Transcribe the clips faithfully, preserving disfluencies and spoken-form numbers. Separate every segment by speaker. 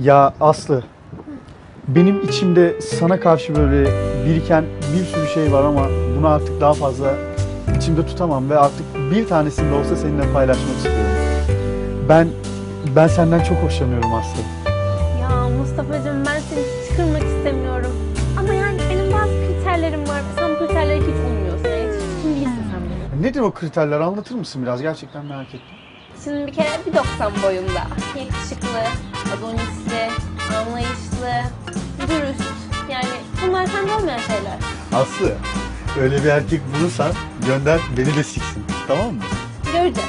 Speaker 1: Ya Aslı, benim içimde sana karşı böyle biriken bir sürü şey var ama bunu artık daha fazla içimde tutamam ve artık bir tanesini de olsa seninle paylaşmak istiyorum. Ben ben senden çok hoşlanıyorum Aslı.
Speaker 2: Ya Mustafa'cığım ben seni hiç kırmak istemiyorum. Ama yani benim bazı kriterlerim var. Sen bu kriterlere hiç uymuyorsun. Yani hiç üstün değilsin sen benim.
Speaker 1: Nedir o kriterler, anlatır mısın biraz? Gerçekten merak ettim.
Speaker 2: Şimdi bir kere bir doksan boyunda. Yakışıklı, adonisli, anlayışlı, dürüst. Yani bunlar sende olmayan şeyler.
Speaker 1: Aslı, öyle bir erkek bulursan gönder beni de siksin. Tamam mı?
Speaker 2: Göreceğiz.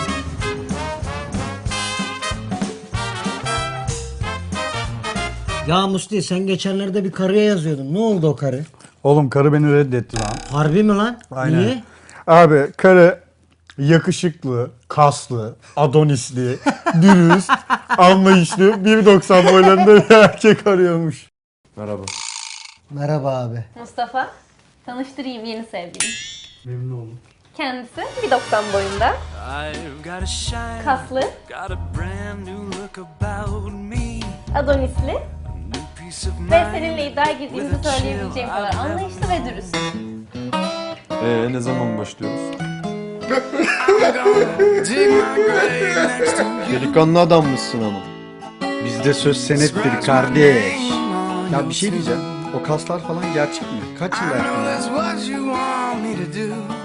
Speaker 3: Ya Musti sen geçenlerde bir karıya yazıyordun. Ne oldu o karı?
Speaker 1: Oğlum karı beni reddetti lan.
Speaker 3: Harbi mi lan?
Speaker 1: Aynen.
Speaker 3: Niye?
Speaker 1: Abi karı yakışıklı, kaslı, adonisli, dürüst, anlayışlı, bir doksan boylarında bir erkek arıyormuş.
Speaker 4: Merhaba.
Speaker 3: Merhaba abi.
Speaker 2: Mustafa, tanıştırayım yeni sevgilim.
Speaker 1: Memnun oldum.
Speaker 2: Kendisi bir doksan boyunda,
Speaker 5: I've got a shine,
Speaker 2: kaslı,
Speaker 5: got a brand new look about me.
Speaker 2: adonisli
Speaker 5: New peace of
Speaker 2: ve
Speaker 5: mind.
Speaker 2: seninle iddia girdiğimizi söyleyebileceğim kadar anlayışlı ve dürüst.
Speaker 4: Ee, ne zaman başlıyoruz?
Speaker 5: Dig my grave next to you.
Speaker 4: Delikanlı adammışsın ama.
Speaker 1: Bizde söz senettir kardeş. Ya bir şey diyeceğim. O kaslar falan gerçek mi? Kaç yıl
Speaker 5: I know
Speaker 1: yaptın?
Speaker 5: that's what you want me to do.